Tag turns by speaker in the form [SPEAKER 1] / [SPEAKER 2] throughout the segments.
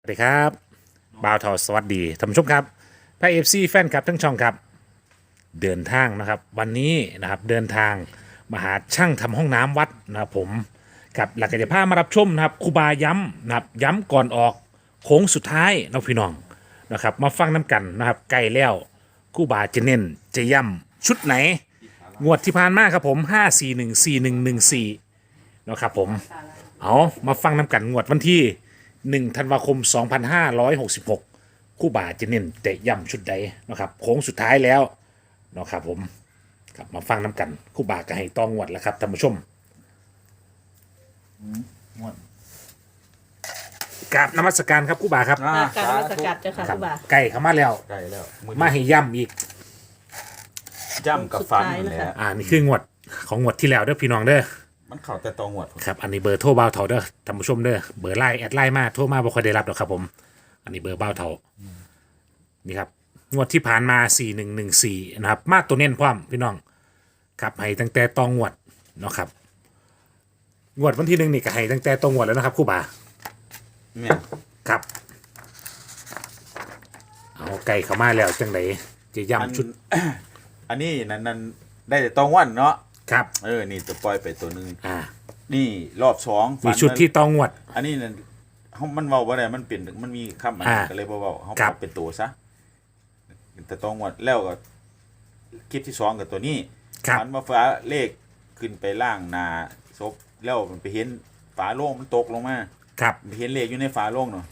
[SPEAKER 1] สวัสดีครับบ่าวทอสวัสดีท่านผู้ชมครับพระเอฟซีแฟนคลับทั้งช่องครับเดินทางนะครับวันนี้นะครับเดินทางมาหาช่างทำห้องน้ำวัดนะครับผมกับหลักกิจภาพมารับชมนะครับครูบาย้ำนะครับย้ำก่อนออกโค้งสุดท้ายนะพี่น้องนะครับมาฟังน้ำกันนะครับใกล้แล้วครูบาจะเน้นจะย้ำชุดไหนงวดที่ผ่านมาครับผม5414114นะครับผมเอามาฟังน้ำกันงวดวันที่ 1 ธันวาคม 2566 คู่บ่าจะเน้นเตะย่ำชุดใดนะครับโค้งสุดท้ายแล้วนะครับผมครับมาฟังน้ำกันคู่บ่าก็ให้ต้องงวดแล้วครับท่านผู้ชม
[SPEAKER 2] ม่วน
[SPEAKER 1] กราบนมัสการครับคู่บ่าครับ
[SPEAKER 3] การนมัสการเจ้าค่ะ
[SPEAKER 1] ครั
[SPEAKER 3] ครูบา
[SPEAKER 1] ไก่เข้ามาแล้ว
[SPEAKER 2] ใกล้แล้ว
[SPEAKER 1] มาให้ย่ำอีก
[SPEAKER 2] ย่ำกับฟัน
[SPEAKER 3] สุดท้าย
[SPEAKER 2] นั่นแห
[SPEAKER 3] นะคะ
[SPEAKER 2] ละ
[SPEAKER 1] นี่คืองวดของงวดที่แล้วเด้อพี่น้องเด้อ
[SPEAKER 2] มันเข่าแต่ตองหวด
[SPEAKER 1] ครับอันนี้เบอร์โทรบ้าวเถาเด้อท่านผู้ชมเด้อเบอร์ไลน์แอดไลน์มาโทรมาบ่ค่อยได้รับหรอกครับผมอันนี้เบอร์บ้าวเถานี่ครับงวดที่ผ่านมา4114นะครับมาตัวเน้นพร้อมพี่น้องครับให้ตั้งแต่ตองงวดเนาะครับงวดวันที่ 1นี่ก็ให้ตั้งแต่ตองงวดแล้วนะครับครู่บ่า
[SPEAKER 2] เนี่ย
[SPEAKER 1] ครับเอาไก่เข้ามาแล้วจังไดจะ
[SPEAKER 2] อัน
[SPEAKER 1] ย้ำชุด
[SPEAKER 2] อันนี้นั่นได้แต่ตองวันเนาะ
[SPEAKER 1] ครับ
[SPEAKER 2] นี่จะปล่อยไปตัวหนึง
[SPEAKER 1] อ่า
[SPEAKER 2] นี่รอบสอง
[SPEAKER 1] มีชุดที่ตองงวด
[SPEAKER 2] อันนี้นั่นเขามันเบาว่าอะไรมันเปลี่ยนมันมีคำอันนี้
[SPEAKER 1] อ่า
[SPEAKER 2] ก็เลยเบาๆเขา
[SPEAKER 1] ครับ
[SPEAKER 2] เป็นตัวซะแต่ตองหวดแล้วก็คลิปที่สองกับตัวนี้
[SPEAKER 1] ครับ
[SPEAKER 2] มันมาฟ้าเลขขึ้นไปล่างนาศพแล้วมันไปเห็นฝาโล่งมันตกลงมา
[SPEAKER 1] ครับ
[SPEAKER 2] เห็นเลขอยู่ในฝาโล่งเนาะ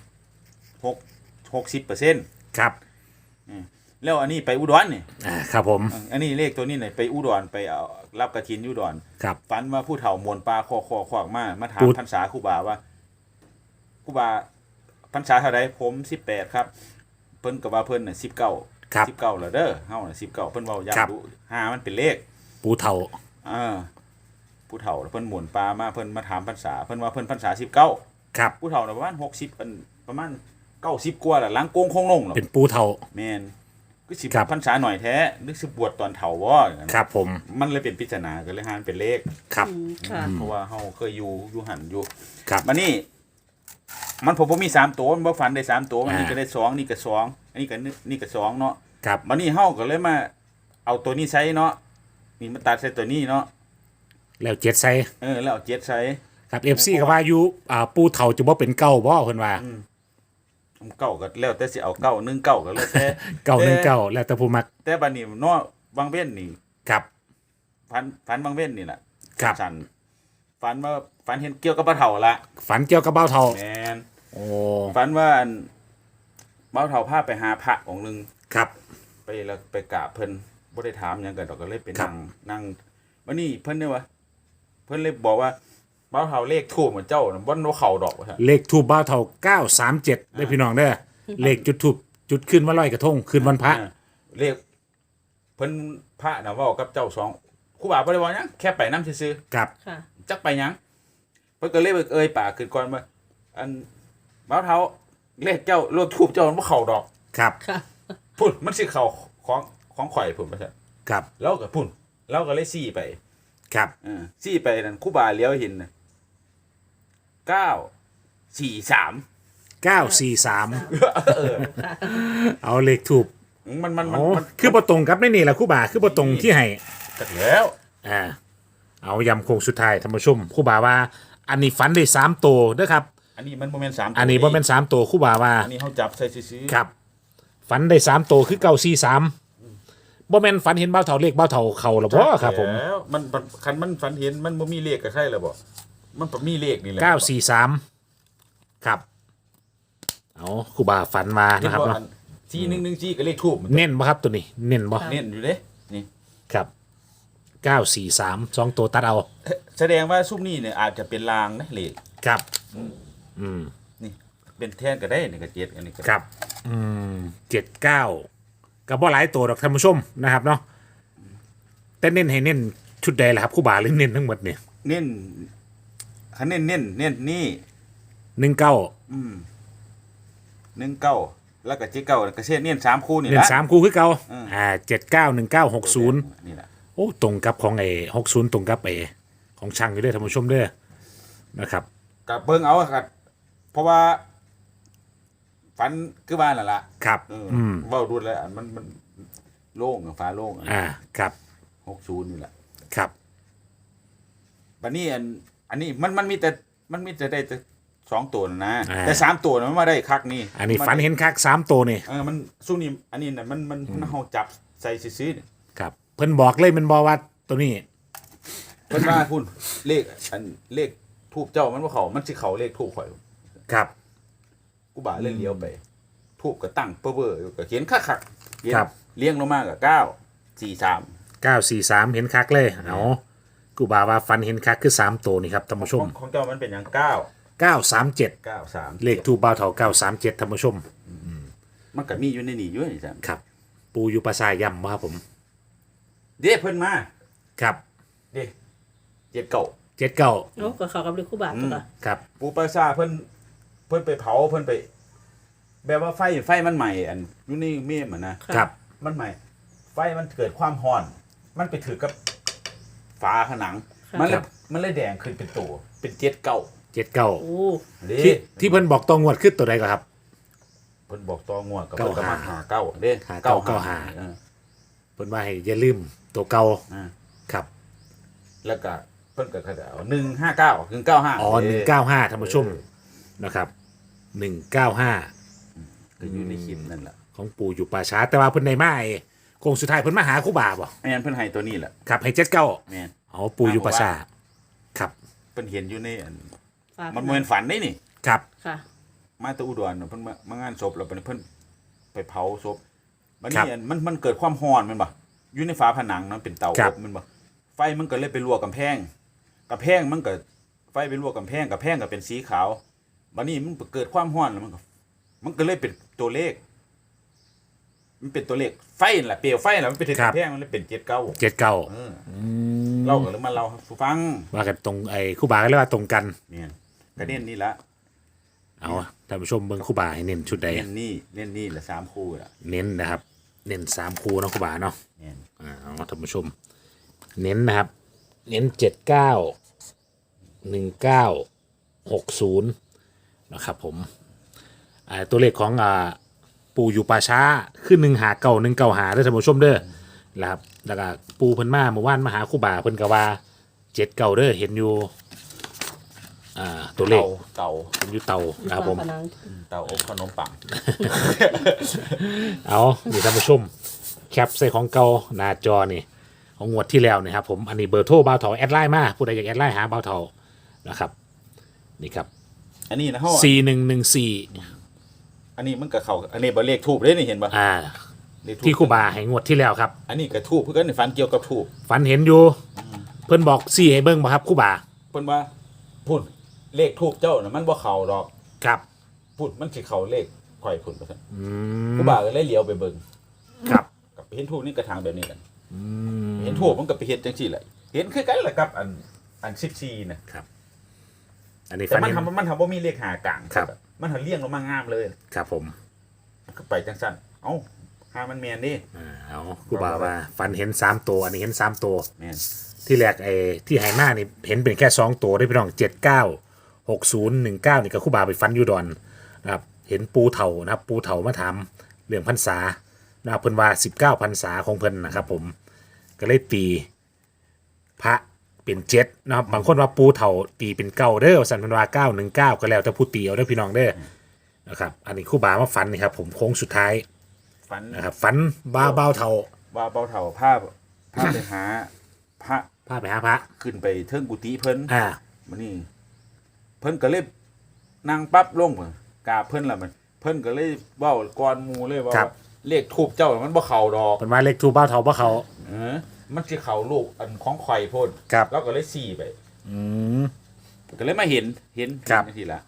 [SPEAKER 2] 60%
[SPEAKER 1] ครับ
[SPEAKER 2] แล้วอันนี้ไปอุดรนี่
[SPEAKER 1] ครับผม
[SPEAKER 2] อันนี้เลขตัวนี้เนี่ยไปอุดรไปเอารับกระถินอุดร
[SPEAKER 1] ครับ
[SPEAKER 2] ฝันว่าผู้เฒ่ามวนปลาคอขวากมาถาม
[SPEAKER 1] พูด
[SPEAKER 2] พรรษาครูบาว่าครูบาพรรษาเท่าไรผม18ครับ เพิ่นก็ว่าเพิ่นน่ะ19
[SPEAKER 1] ครับ
[SPEAKER 2] 19แล้วเด้อเฮาน่ะ19เพิ่นเว้า
[SPEAKER 1] ครับ
[SPEAKER 2] ย้ำดู5มันเป็นเลข
[SPEAKER 1] ปูเถา
[SPEAKER 2] เออผู้เฒ่าแล้วเพิ่นหมุนปลามาเพิ่นมาถามพรรษาเพิ่นว่าเพิ่นพรรษา19
[SPEAKER 1] ครับ
[SPEAKER 2] ผู้เฒ่าน่ะประมาณ60ประมาณ90กว่าล่ะหลังโกงคงลงหรอก
[SPEAKER 1] เป็นปูเถา
[SPEAKER 2] แม่นก็สิ
[SPEAKER 1] ครับ
[SPEAKER 2] พรรษาหน่อยแท้นึกสิบวชตอนเฒ่าบ่อย่างนั้น
[SPEAKER 1] ครับผม
[SPEAKER 2] มันเลยเป็นปริศนาก็เลยหาเป็นเลข
[SPEAKER 1] ครับ
[SPEAKER 3] ค่ะ
[SPEAKER 2] เพราะว่าเฮาเคยอยู่หันอยู่
[SPEAKER 1] ครับ
[SPEAKER 2] มานี่มันผมบ่มี3ตัวมันบ่ฝันได้3ตัวมันนี่ก็ได้2นี่ก็2อันนี้ก็นี่ก็2เนาะ
[SPEAKER 1] ครับ
[SPEAKER 2] มานี่เฮาก็เลยมาเอาตัวนี้ใช้เนาะนี่มาตัดใส่ตัวนี้เนาะ
[SPEAKER 1] แล้วเจ็ดไซ
[SPEAKER 2] แล้วเอา7ใช้
[SPEAKER 1] ครับFC ก็ว่าอยู่ปูเถาจะบ่เป็นเก้าบ่เพิ่นว่า
[SPEAKER 2] เก้าก็แล้วแต่สิเอาเก้า1 9ก็แล้วแต่
[SPEAKER 1] เก้าหนึ่งเก้าแล้วแต่ผู้มัก
[SPEAKER 2] แต่บัดนี้เนาะบางเว้นนี่
[SPEAKER 1] ครับ
[SPEAKER 2] ฝันบางเว้นนี่แหละ
[SPEAKER 1] ครับ
[SPEAKER 2] สั่นฝันว่าฝันเห็นเกี่ยวกับปลาเฒ่าละ
[SPEAKER 1] ฝันเกี่ยวกับเบ้าเถา
[SPEAKER 2] แม่น
[SPEAKER 1] โอ้
[SPEAKER 2] ฝันว่าอันเบ้าเฒ่าพาไปหาพระองค์หนึง
[SPEAKER 1] ครับ
[SPEAKER 2] ไปแล้วไปกราบเพิ่นบ่ได้ถามหยังกันดอกก็เลยไป
[SPEAKER 1] ครั
[SPEAKER 2] นั่
[SPEAKER 1] บ
[SPEAKER 2] งวันนี้เพิ่นเนี่ยว่าเพิ่นเลยบอกว่าเบ้าเฒ่าเลขทูบเหมือนเจ้าน่ะบ่นเข้าดอกว่าซั่น
[SPEAKER 1] เลขทูบเบ้าเถา937ได้อพี่น้องเด้อเลขจุดทูบจุดขึ้นมาลอยกระทงขึ้นวันพระ
[SPEAKER 2] เลขเพิ่นพระน่ะเว้ากับเจ้าสองครูบาบ่ได้ว่าหยังแค่ไปนำซื่อ
[SPEAKER 1] ครับ
[SPEAKER 3] ค่ะ
[SPEAKER 2] ๆจักไปหยังเพิ่นก็เลยเอ่ยปากขึ้นก่อนว่าอันเบ้าเฒ่าเลขเจ้าเลขทูบเจ้ามันบ่เข้าดอก
[SPEAKER 1] ครับ
[SPEAKER 3] ค่ะ
[SPEAKER 2] พุ่นมันสิเข้าของข่อยพุ่นว่าซั่น
[SPEAKER 1] ครับ
[SPEAKER 2] แล้วก็พุ่นแล้วก็เลยซี่ไป
[SPEAKER 1] ครับ
[SPEAKER 2] ซี่ไปนั่นครูบาเลี้ยวเห็นน่ะ943
[SPEAKER 1] 943เอาเลขทูบ
[SPEAKER 2] มัน
[SPEAKER 1] โอ้คือบ่ตรงกับในนี่แหละครู่บ่าคือบ่ตรงที่ให้
[SPEAKER 2] จักแล้ว
[SPEAKER 1] เอายำโคงสุดท้ายท่านผู้ชมครู่บ่าว่า อันนี้ฝันได้3ตัวเด้อครับ
[SPEAKER 2] อันนี้มันบ่แม่น3
[SPEAKER 1] อันนี้บ่แม่น3ตัวครู่บ่าว่า
[SPEAKER 2] อันนี้เฮาจับใส่ซื่อๆ
[SPEAKER 1] ครับฝันได้3ตัวคือ943บ่แม่นฝันเห็นเบ้าเถาเลขเบ้าเถาเข้าหรอบ่ครับผม
[SPEAKER 2] แล้วมันคันมันฝันเห็นมันบ่มีเลขกับใครแล้วบ่มันบ่มีเลขนี่แหละ
[SPEAKER 1] 943ครับเอาครู่บ่าฝันมา
[SPEAKER 2] เห็น
[SPEAKER 1] นะครับ
[SPEAKER 2] บ่
[SPEAKER 1] เนาะ
[SPEAKER 2] อัน4114ก็เลขทูบ
[SPEAKER 1] เน้นบ่ครับตัวนี้ เน้นบ่
[SPEAKER 2] เน้นอยู่เด้นี่
[SPEAKER 1] ครับ943 2ตัวตัดเอา
[SPEAKER 2] แสดงว่าซุมนี้เนี่ยอาจจะเป็นลางนะเลข
[SPEAKER 1] ครับ
[SPEAKER 2] นี่เป็นแทนก็ได้นี่ก็7อันนี้ก็
[SPEAKER 1] ครับ79ก็บ่หลายตัวดอกท่านผู้ชมนะครับเนาะแต่เน้นให้เน้นชุดใดล่ะครับครู่บ่าหรือเน้นทั้งหมดเนี่ย
[SPEAKER 2] เน้นคันเน้นนี่
[SPEAKER 1] 19
[SPEAKER 2] 19แล้วก็79ก็เช่นเน้น3คู่นี่
[SPEAKER 1] เน้น
[SPEAKER 2] ละ
[SPEAKER 1] 3คู่คือเก่า 79 19 60
[SPEAKER 2] นี่ล่ะ
[SPEAKER 1] โอ้ตรงกับของไอ้60ตรงกับไอ้ของช่างอยู่เด้อท่านผู้ชมเด้อนะครับ
[SPEAKER 2] กับเบิ่งเอาครับเพราะว่า เพิ่นว่าเพิ่นว่าฝันเห็นเบ้าเฒ่าเลขทูบมันเข้าดอก
[SPEAKER 1] ครับ
[SPEAKER 2] เพิ่นว่าเพิ่นฝันเห็นเบ้าเฒ่าเลขทูบมันเข้าดอก
[SPEAKER 1] ครับ
[SPEAKER 2] ฝันคือบ้านนั่นล่ะ
[SPEAKER 1] ครับ
[SPEAKER 2] เว้าดูแล้วอันมันโล่งอะฟ้าโล่ง
[SPEAKER 1] ครับ
[SPEAKER 2] 60นี่แหละ
[SPEAKER 1] ครับ
[SPEAKER 2] บัดนี้อันนี้มันมีแต่ได้แต่2ตัวนะ
[SPEAKER 1] อ่า
[SPEAKER 2] แต่3ตัวมันมาได้คักนี่
[SPEAKER 1] อันนี้ฝันเห็นคัก3ตัวนี่
[SPEAKER 2] มันสู้นี่อันนี้น่ะมันเฮาจับใส่ซื่อๆนี่
[SPEAKER 1] ครับเพิ่นบอกเลยมันบอกว่าตัวนี้
[SPEAKER 2] เพิ่นว่าพุ่นเลขเลขทูบเจ้ามันบ่เข้ามันสิเข้าเลขทูบข่อย
[SPEAKER 1] ครับ
[SPEAKER 2] กูบ่าเล่นเลี้ยวไปทูบก็ตั้งเบ้อๆก็เขียนคักๆเขียน
[SPEAKER 1] ครับ
[SPEAKER 2] เลี้ยงลงมาก็9
[SPEAKER 1] 943เห็นคักเลยเอากูบาว่าฝันเห็นคักคือ3ตัวนี่ครับท่านผู้ช
[SPEAKER 2] 43
[SPEAKER 1] ม
[SPEAKER 2] ของเจ้ามันเป็นหยัง
[SPEAKER 1] 937
[SPEAKER 2] 93
[SPEAKER 1] เลขทูบบ่าวเฒ่า937ท่านผู้ชม
[SPEAKER 2] มันก็มีอยู่ในนี่อยู่นี่จ้ะ
[SPEAKER 1] ครับ ปูอยู่ปราสาทย่ำบ่ครับผม
[SPEAKER 2] เด้เพิ่นมา
[SPEAKER 1] ครับ
[SPEAKER 2] เด้เจ็ดเก่า
[SPEAKER 1] 79
[SPEAKER 3] โอ้ก็เขากับเลขคู่บาทตัวละ
[SPEAKER 1] ครับ
[SPEAKER 2] ปูปราสาทเพิ่นไปเผาเพิ่นไป แบบว่าไฟมันใหม่อันอยู่นี่เมมอะนะครับ มันใหม่ ไฟมันเกิดความร้อน มันไปถือกับฝาผนัง มันเลยแดงขึ้นเป็นตัวเป็นเจ็ดเก่า
[SPEAKER 1] 79
[SPEAKER 3] โอ้
[SPEAKER 2] เด้
[SPEAKER 1] ที่เพิ่นบอกตองวดขึ้นตัวใดก็ครับ
[SPEAKER 2] เพิ่นบอกตองวดกับ
[SPEAKER 1] เก้า
[SPEAKER 2] เพิ่นก็มา
[SPEAKER 1] ห้า
[SPEAKER 2] หาเก้าเด้
[SPEAKER 1] หาเก้าเก้าห้า
[SPEAKER 2] เออ
[SPEAKER 1] เพิ่นว่าให้อย่าลืมตัวเก่า
[SPEAKER 2] อ่า
[SPEAKER 1] ครับ
[SPEAKER 2] แล้วก็เพิ่นก็เอา159 195
[SPEAKER 1] อ๋อ195ท่านผู้ชมนะครับ195
[SPEAKER 2] ก็อยู่ในคลิปนั่นแหละ
[SPEAKER 1] ของปู่อยู่ป่าช้าแต่ว่าเพิ่นในมาไอ้โคงสุดท้ายเพิ่นมาหาครูบาบ่
[SPEAKER 2] แม่นเพิ่นให้ตัวนี้แหละ
[SPEAKER 1] ครับให้79
[SPEAKER 2] แม่น
[SPEAKER 1] อ๋อปู่อยู่ป่าช้าครับ
[SPEAKER 2] เพิ่นเห็นอยู่ในอัน
[SPEAKER 3] ฝาก
[SPEAKER 2] มันบ่แม่นฝันได้นี่
[SPEAKER 1] ครับ
[SPEAKER 3] ค่ะ
[SPEAKER 2] มาแตะอุดรน่ะเพิ่นมางานศพแล้วเพิ่นไปเผาศพบัดนี้อันมันเกิดความร้อนแมันบ่อยู่ในฝาผนังนั้นเป็นเตาอบแมันบ่ไฟมันก็เลยไปลวกกำแพงมันก็ไฟไปลวกกำแพงก็เป็นสีขาวบัดนี้มันเกิดความร้อนแล้วมันก็เลยเป็นตัวเลข มันเป็นตัวเลขไฟนั่นแหละเปลวไฟนั่นแหละมันไปถึงกำแพงมันเลยเป็น79
[SPEAKER 1] 79
[SPEAKER 2] เออเราก็เลยมาเล่าให้ฟัง
[SPEAKER 1] ว่ากันตรงไอ้ครูบาก็เรียกว่าตรงกัน
[SPEAKER 2] เนี่ยก็เน้นนี่ละ
[SPEAKER 1] เอาท่านผู้ชมเบิ่งครูบาให้เน้นชุดใด
[SPEAKER 2] เน้นนี่ละ3คู่ละ
[SPEAKER 1] เน้นนะครับ เน้น3คู่เนาะครูบาเนาะ
[SPEAKER 2] เนี่ย
[SPEAKER 1] เอาท่านผู้ชม เน้นนะครับ เน้น79 19 60นะครับผมตัวเลขของปูอยู่ป่าช้าขึ้น159 195เด้อท่านผู้ชมเด้อนะครับแล้วก็ปูเพิ่นมาเมื่อวานมาหาครูบาเพิ่นก็ว่า79เด้อเห็นอยู่ตัวเลข
[SPEAKER 2] เต่า
[SPEAKER 1] เห็นอยู่เตานะครับผม
[SPEAKER 3] ฝาผนัง
[SPEAKER 2] เต่าอบขนมปัง
[SPEAKER 1] เอานี่ท่านผู้ชมแคปใส่ของเก่าหน้าจอนี่ของงวดที่แล้วนะครับผมอันนี้เบอร์โทรบ่าวเถาแอดไลน์มาผู้ใดอยากแอดไลน์หาบ่าวเถานะครับนี่ครับ
[SPEAKER 2] อันนี้นะเฮา
[SPEAKER 1] 4114
[SPEAKER 2] อันนี้มันก็เข้าอันนี้บ่เลขทูบเด้นี่เห็นบ่เลขทูป
[SPEAKER 1] ที่ครูบาให้งวดที่แล้วครับ
[SPEAKER 2] อันนี้ก็ทูบเพิ่นก็ในฝันเกี่ยวกับทูบ
[SPEAKER 1] ฝันเห็นอยู่เพิ่นบอก4ให้เบิ่งบ่ครับครูบา
[SPEAKER 2] เพิ่นว่าพุ่นเลขทูบเจ้าน่ะมันบ่เข้าดอก
[SPEAKER 1] ครับ
[SPEAKER 2] พุ่นมันสิเข้าเลขข่อยพุ่นว่าซั่น
[SPEAKER 1] อื
[SPEAKER 2] ครู
[SPEAKER 1] ม
[SPEAKER 2] บาก็เลยเลี้ยวไปเบิ่ง
[SPEAKER 1] ครับ
[SPEAKER 2] กับเห็นทูบนี่กระถางแบบนี้กันเห็นทูบมันก็ไปเฮ็ดจังซี่แหละเห็นคือกันแหละครับอัน14น่ะ
[SPEAKER 1] อันนี้
[SPEAKER 2] แต่
[SPEAKER 1] ฝัน
[SPEAKER 2] มัน
[SPEAKER 1] เห็น
[SPEAKER 2] ทำบ่มีเลขหากลาง
[SPEAKER 1] ครับ
[SPEAKER 2] มันเลี้ยงลงมางามเลย
[SPEAKER 1] ครับผม
[SPEAKER 2] ก็ไปจังซั่นเอ้าหามันแม่นดิ
[SPEAKER 1] เอาครูบาว่าฝันเห็น3ตัวอันนี้เห็น3ตัว
[SPEAKER 2] แม่น
[SPEAKER 1] ที่แรกไอ้ที่ไหหน้านี่เห็นเป็นแค่2ตัวได้พี่น้อง79 60 19นี่ก็ครู่บาไปฟันอยูดอนนะครับเห็นปูเถานะครับปูเถามาถามเรื่องพรรษานะครับเพิ่นว่า19พรรษาของเพิ่นนะครับผมก็เลยตีพระเป็น7นะครับบางคนว่าปูเถาตีเป็นเก้าเด้อสันเพิ่นว่า919ก็แล้วแต่ผู้ตีเอาเด้อพี่น้องเด้อนะครับอันนี้ครู่บามาฟันนี่ครับผมโค้งสุดท้าย
[SPEAKER 2] ฝัน
[SPEAKER 1] นะครับฟันบ้าเบาเถา
[SPEAKER 2] ว่าเบาเฒ่าภาพไปหาพระ
[SPEAKER 1] พาไปหาพระ
[SPEAKER 2] ขึ้นไปเทิงกุฏิเพิ่น
[SPEAKER 1] อ่า
[SPEAKER 2] มันนี่เพิ่นก็เลยนั่งปั๊บลงพุ่นกราบเพิ่นล่ะมันเพิ่นก็เลยเว้าก่อนหมู่เลยว่าเลขทูบเจ้ามันบ่เข้าดอก
[SPEAKER 1] เพิ่นว่าเลขทูบเบ้าเถาบ่เขา
[SPEAKER 2] มันสิเข้าลูกอันของข่อยโพด
[SPEAKER 1] ครับ
[SPEAKER 2] แล้วก็เลยสี่ไป
[SPEAKER 1] อืม
[SPEAKER 2] ก็เลยมาเห็น
[SPEAKER 1] ครับ
[SPEAKER 2] จังซี่ล่ะ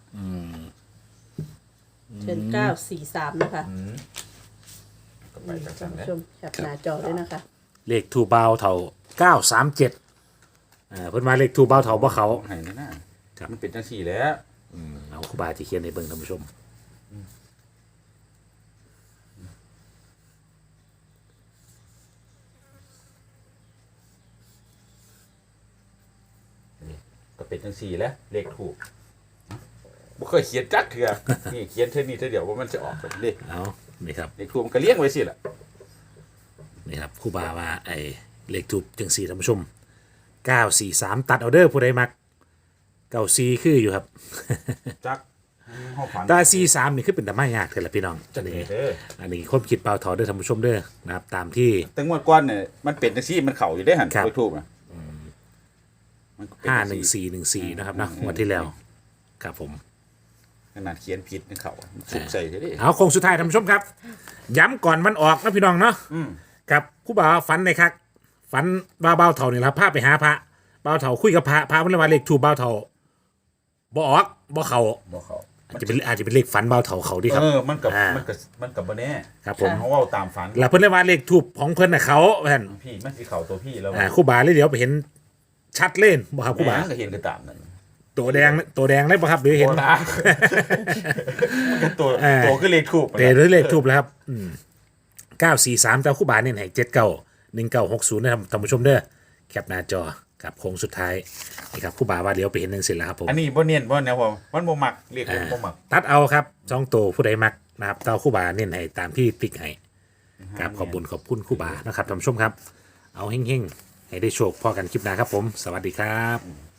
[SPEAKER 3] เชิญ943นะคะ
[SPEAKER 2] ก็ไปจัง
[SPEAKER 3] ท่า
[SPEAKER 2] ซั่
[SPEAKER 3] น
[SPEAKER 2] นแห
[SPEAKER 3] ผู้
[SPEAKER 2] ละ
[SPEAKER 3] ชมแคปหน้าจอด้วยนะคะ
[SPEAKER 1] เลขทูบเบาเถา937เพิ่นว่าเลขทูบเบาเถาบ่เขา
[SPEAKER 2] ให้นั่นน่ะ
[SPEAKER 1] ครับ
[SPEAKER 2] มันเป็นจังซี่แหล้ว
[SPEAKER 1] เอาครูบาที่เขียนในเบิ่งท่านผู้ชม
[SPEAKER 2] ก็เป็นจังซี่แหล้วเลขถูกบบ่เคยเขียนจักเถื่อนี่เขียนเท่านี้เท่าเดียวว่ามันจะออกแบบนี้
[SPEAKER 1] เอานี่ครับ
[SPEAKER 2] เลขทูปมันก็เลี้ยงไว้สิล่ะ
[SPEAKER 1] นี่ครับครู่บาว่าไอ้เลขทูบจังสี่ท่านผู้ชม943ตัดเอาเด้อผู้ใดมัก94คืออยู่ครับ
[SPEAKER 2] จักเฮาฝัน
[SPEAKER 1] แตา43นี่คือเป็นตะไม้ยากเถอะล่ะพี่น้องอันนี้
[SPEAKER 2] เด้อ
[SPEAKER 1] อันนี้ความคิดเปล่าถอเด้อท่านผู้ชมเด้อนะครับตามที่
[SPEAKER 2] แต่งวดก่อนเนี่ยมันเป็นจังซี่มันเข้าอยู่ได้หั่น
[SPEAKER 1] ครับ
[SPEAKER 2] เลขทูปน่ะมันก็เป็นจังซี่
[SPEAKER 1] 51414นะครับเนาะงวดที่แล้วครับผม
[SPEAKER 2] ขนาดเขียนผิดนี่เข้าสุกใส่เด้อ
[SPEAKER 1] เอาโคงสุดท้ายท่านผู้ชมครับ ย้ำก่อนมันออกนะพี่น้องเนาะครับครู่บาฝันเลยครับฝันว่าเบาเถ่านี่ละพาไปหาพระเบาเถ่าคุยกับพระเพิ่นเลยว่าเลขทูบเบาเถ่าบ่ออกบ่เข้า
[SPEAKER 2] บ่เข้า
[SPEAKER 1] อาจจะเป็นเลขฝันเบาเถ่าเขาดีครับ
[SPEAKER 2] มันกับ
[SPEAKER 1] อ่า
[SPEAKER 2] มันกับบ่แน่
[SPEAKER 1] ครับผม
[SPEAKER 2] เขาเว้าตามฝัน
[SPEAKER 1] แล้วเพิ่นเลยว่าเลขทูบของเพิ่นน่ะเขาเพิ่น
[SPEAKER 2] พี่มันสิเข้าตัวพี่แล้ว
[SPEAKER 1] ครู่บาเลยเดี๋ยวไปเห็นชัดเล่นบ่ครับครู่บา
[SPEAKER 2] แม่งก็เห็นก็ตามนั่น
[SPEAKER 1] ตัวแดงเลยบ่ครับหรือเห็น
[SPEAKER 2] โอ้ตามันก็ตัว
[SPEAKER 1] อ่า
[SPEAKER 2] ตัวคือเลขทูป
[SPEAKER 1] เดี๋ยวเลขทูบแล้วครับ943แต่ครู่บาเนี่ยให้791960นะครับท่านผู้ชมเด้อแคปหน้าจอครับโค้งสุดท้ายนี่ครับครู่บาว่าเดี๋ยวไปเห็นจังซี่แล้วครับผม
[SPEAKER 2] อันนี้บ่เนียนบ่แนวผมมันบ่มักเลขบ่มัก
[SPEAKER 1] ตัดเอาครับ2ตัวผู้ใดมักนะครับเต้าคู่บาเน้นให้ตามที่ติ๊กให้ครับขอบคุณคู่บานะครับท่านผู้ชมครับ เอาเฮ่งๆ ให้ได้โชคพอกันคลิปหน้าครับผม สวัสดีครับ